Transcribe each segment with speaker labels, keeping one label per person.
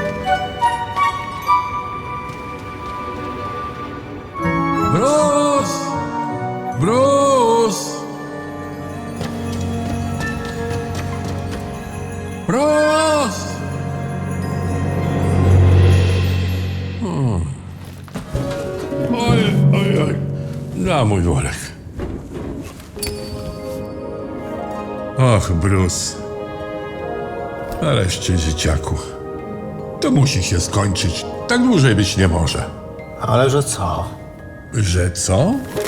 Speaker 1: Bruce! Bruce! Bruce! Oj, oj, oj. Na mój worek. Och, Bruce. Nareszcie, dzieciaku. To musi się skończyć. Tak dłużej być nie może.
Speaker 2: Ale że co?
Speaker 1: Że co?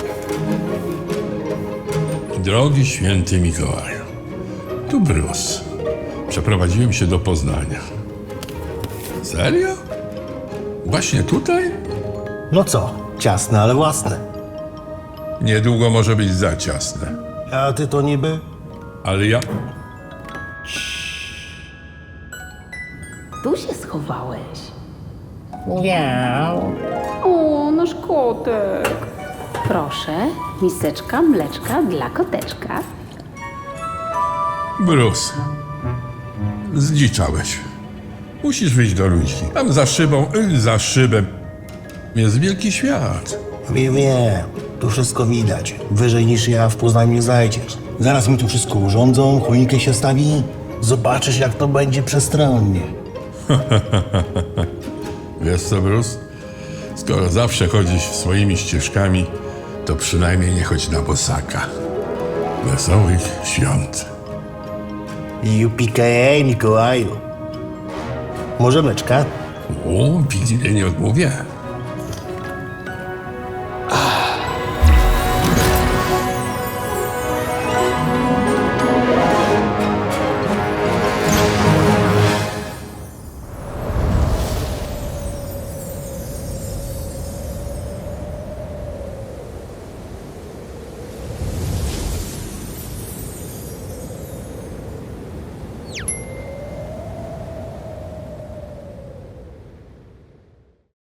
Speaker 1: Drogi święty Mikołaju, tu Bruce. Przeprowadziłem się do Poznania. Serio? Właśnie tutaj?
Speaker 2: No co? Ciasne, ale własne.
Speaker 1: Niedługo może być za ciasne.
Speaker 2: A ty to niby?
Speaker 1: Ale ja...
Speaker 3: Tu się schowałeś.
Speaker 2: Miau.
Speaker 3: O, nasz kotek. Proszę, miseczka mleczka dla koteczka.
Speaker 1: Bruce. Zdziczałeś. Musisz wyjść do ludzi. Tam za szybą, za szybem jest wielki świat.
Speaker 2: Wiem. Tu wszystko widać. Wyżej niż ja w Poznaniu nie znajdziesz. Zaraz mi tu wszystko urządzą, choinkę się stawi. Zobaczysz, jak to będzie przestronnie.
Speaker 1: Wiesz co, Bruce? Skoro zawsze chodzisz swoimi ścieżkami, to przynajmniej nie chodź na bosaka. Wesołych świąt.
Speaker 2: Jupikeje, Mikołaju. Może mleczka?
Speaker 1: O, widzę, nie odmówię.